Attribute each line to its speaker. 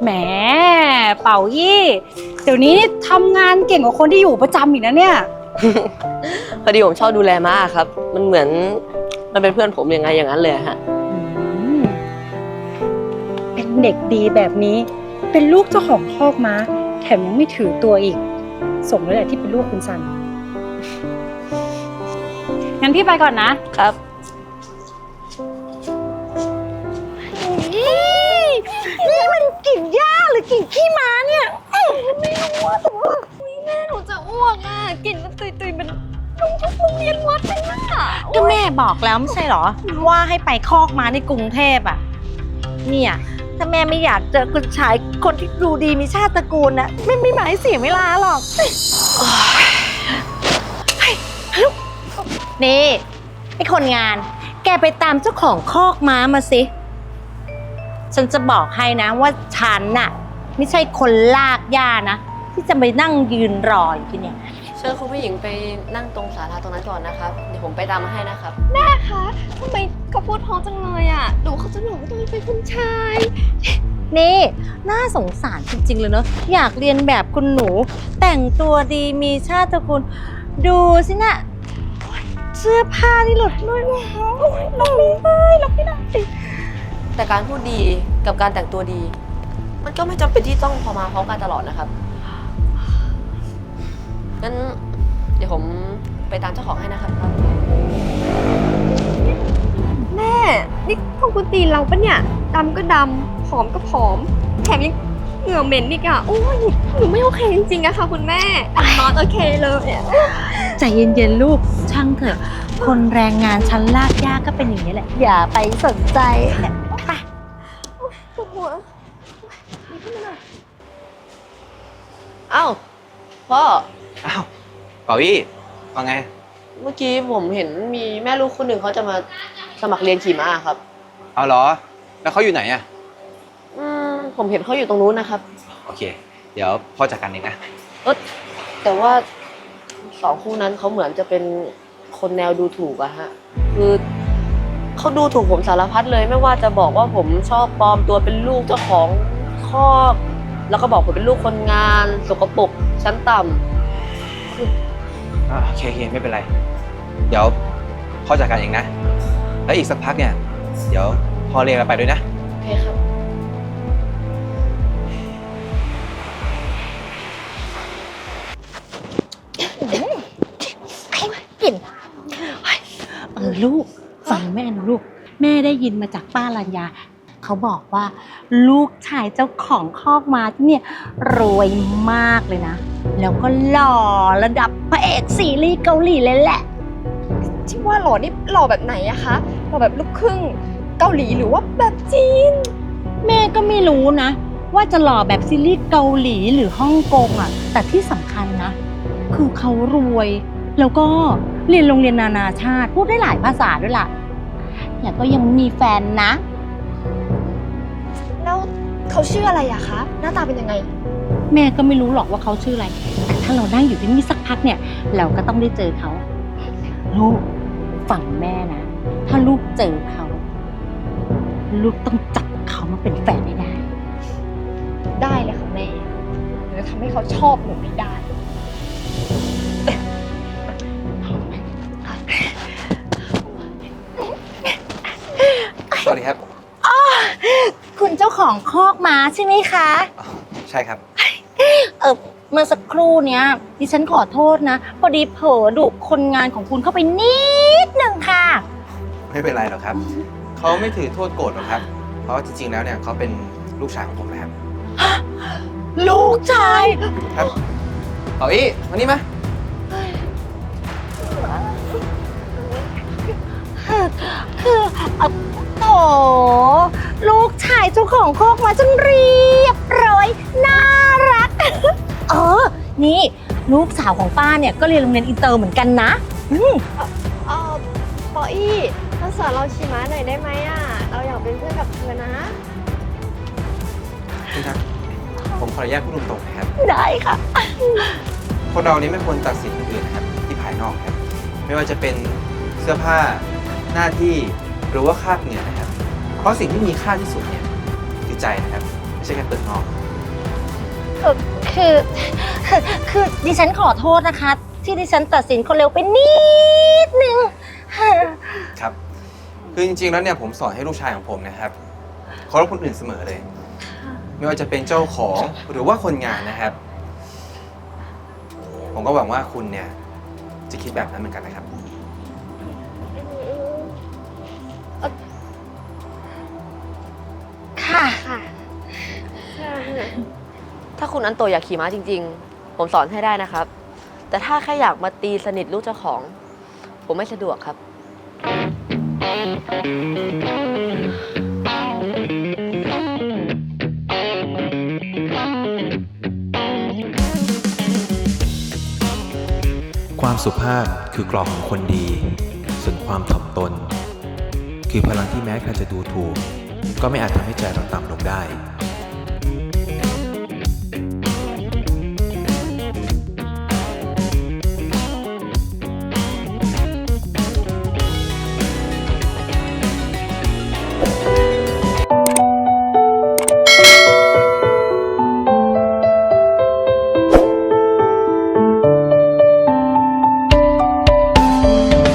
Speaker 1: แหมเป่ายี่เดี๋ยวนี้ทำงานเก่งกว่าคนที่อยู่ประจำอีกนะเนี่ย
Speaker 2: พอดีผมชอบดูแลม้าครับมันเหมือนมันเป็นเพื่อนผมยังไงอย่างนั้นเลยฮะ
Speaker 1: เป็นเด็กดีแบบนี้เป็นลูกเจ้าของคอกม้าแถมยังไม่ถือตัวอีกสมแล้วแหละที่เป็นลูกคุณซันงั้นพี่ไปก่อนนะครับ
Speaker 3: นี่มันกิ่งหญ้าหรือกิ่งขี้ม้าเนี่ยไม่รู้ว่าแต่ว่าแม่หนูจะอ้วกอ่ะกลิ่นมันตุยๆเป็นโรงเรียนวัดเลยน่ะ
Speaker 4: ก็แม่บอกแล้วไม่ใช่เหรอว่าให้ไปคอกม้าในกรุงเทพอ่ะเนี่ยถ้าแม่ไม่อยากเจอคุณชายคนที่ดูดีมีชาติตระกูลนะไม่หมายเสียเวลาหรอกนี่ไอ้คนงานแกไปตามเจ้าของคอกม้ามาสิฉันจะบอกให้นะว่าฉันน่ะไม่ใช่คนลากหญ้านะที่จะไปนั่งยืนรออยู่ที่เนี่ย
Speaker 2: เชิญคุณผู้หญิงไปนั่งตรงศาลาตรงนั้นก่อนนะครับเดี๋ยวผมไปตามมาให้นะครับ
Speaker 3: แม่คะทำไมเขาพูดท้องจังเลยอ่ะดูเขาจะหลงตัวเป็นคุณชาย
Speaker 4: นี่น่าสงสารจริงๆเลยเนอะอยากเรียนแบบคุณหนูแต่งตัวดีมีชาติตระกูลดูสินะเสื้อผ้านี่หลุดด้วยลงไม่ได้ลงไม่ได้
Speaker 2: แต่การพูดดีกับการแต่งตัวดี มันก็ไม่จำเป็นที่ต้องพอมาพร้อมกันตลอดนะครับงั้นเดี๋ยวผมไปตามเจ้าของให้นะครับ
Speaker 3: แม่นี่พวกคุณตีนเราปะเนี่ยดำก็ดำผอมก็ผอมแถมยังเหงื่อเหม็นอีกอ่ะโอ้ยหนูไม่โอเคจริงๆอะค่ะคุณแม่นอนโอเคเลยอะ
Speaker 4: ใจเย็นๆลูกช่างเถอะคนแรงงานชั้นลากยากก็เป็นอย่างนี้แหละอย่าไปสนใจไป
Speaker 3: ปวดหัว
Speaker 2: อ้าวพ่อ
Speaker 5: อ้าวเป่าอี้ว่าไง
Speaker 2: เมื่อกี้ผมเห็นมีแม่ลูกคนหนึ่งเขาจะมาสมัครเรียนขี่ม้าครับ
Speaker 5: เอาเหรอ แล้วเขาอยู่ไหนอะ
Speaker 2: ผมเห็นเขาอยู่ตรงนู้นนะครับ
Speaker 5: โอเค เดี๋ยวพ่อจัดการเองนะ
Speaker 2: แต่ว่าสองคู่นั้นเขาเหมือนจะเป็นคนแนวดูถูกอะฮะคือเขาดูถูกผมสารพัดเลยไม่ว่าจะบอกว่าผมชอบปลอมตัวเป็นลูกเจ้าของคอกแล้วก็บอกผมเป็นลูกคนงานสกปรกชั้นต่ำ
Speaker 5: โอเคไม่เป็นไร เดี๋ยวพ่อจัดการเองนะ แล้วอีกสักพักเนี่ย เดี๋ยวพ่อเรียกเราไปด้วยนะ
Speaker 2: โอเคครับ
Speaker 4: กลิ่นลูกฟังแม่นะลูกแม่ได้ยินมาจากป้ารัญญาเขาบอกว่าลูกชายเจ้าของคอกม้าที่เนี่ยรวยมากเลยนะแล้วก็หล่อระดับพระเอกซีรีส์เกาหลีเลยแหละ
Speaker 3: ที่ว่าหล่อนี่หล่อแบบไหนอะคะหล่อแบบลูกครึ่งเกาหลีหรือว่าแบบจีน
Speaker 4: แม่ก็ไม่รู้นะว่าจะหล่อแบบซีรีส์เกาหลีหรือฮ่องกงอ่ะแต่ที่สำคัญนะคือเขารวยแล้วก็เรียนโรงเรียนนานาชาติพูดได้หลายภาษาด้วยล่ะแล้วก็ยังมีแฟนนะ
Speaker 3: แล้วเขาชื่ออะไรอะคะหน้าตาเป็นยังไง
Speaker 4: แม่ก็ไม่รู้หรอกว่าเขาชื่ออะไรแต่ถ้าเรานั่งอยู่ที่นี่สักพักเนี่ยเราก็ต้องได้เจอเขาลูกฝั่งแม่นะถ้าลูกเจอเขาลูกต้องจับเขามาเป็นแฟนให้ได้
Speaker 3: ได้เลยค่ะแม่หรือทำให้เขาชอบหนูไม่ได้
Speaker 5: สวัสดีครับ
Speaker 4: คุณเจ้าของคอกม้าใช่ไหมคะ
Speaker 5: ใช่ครับ
Speaker 4: เมื่อสักครู่เนี้ยดิฉันขอโทษนะพอดีเผลอดุคนงานของคุณเข้าไปนิดหนึ่งค่ะ
Speaker 5: ไม่เป็นไรหรอกครับ เขาไม่ถือโทษโกรธหรอกครับ เพราะจริงๆ แล้วเนี่ยเขาเป็นลูกชายของผมนะครับ
Speaker 4: ลูกชาย
Speaker 5: ครับเป่าอี้มานี่มา
Speaker 4: คือโถลูกชายเจ้าของคอกม้าจนเรียบร้อยน่ารัก นี่ลูกสาวของป้าเนี่ยก็เรียนโรงเรียนอินเตอร์เหมือนกันนะ
Speaker 3: ปออี้มาสอนเราขี่ม้าหน่อยได้ไหมอะเราอยากเป็นเพื่อนกับเธอนะ
Speaker 5: นี่ครับ ผมขออนุญาตพูดตรงๆนะครับ
Speaker 4: ได้ค่ะ
Speaker 5: คนเรานี้ไม่ควรตัดสินคนอื่นนะครับที่ภายนอกครับ ไม่ว่าจะเป็นเสื้อผ้าหน้าที่หรือว่าคราบเหงื่อนะครับ เพราะสิ่งที่มีค่าที่สุดเนี่ยคือใจนะครับ แไม่ใช่แค่เปิดนอก
Speaker 4: คือดิฉันขอโทษนะคะ ที่ดิฉันตัดสินคนเร็วไปนิดนึง
Speaker 5: ครับ คือจริงๆ แล้วเนี่ยผมสอนให้ลูกชายของผมนะครับเคารพคนอื่นเสมอเลย ไม่ว่าจะเป็นเจ้าของหรือว่าคนงานนะครับ ผมก็หวังว่าคุณเนี่ยจะคิดแบบนั้นเหมือนกันนะครับ
Speaker 4: ค่ะ
Speaker 3: ค่ะ
Speaker 2: ถ้าคุณอันโตอยากขี่ม้าจริง ๆ ผมสอนให้ได้นะครับ แต่ถ้าแค่อยากมาตีสนิทลูกเจ้าของ ผมไม่สะดวกครับ
Speaker 5: ความสุภาพคือกรอบของคนดี ส่วนความถ่อมตน คือพลังที่แม้ใครจะดูถูก ก็ไม่อาจทำให้ใจเราต่ำลงได้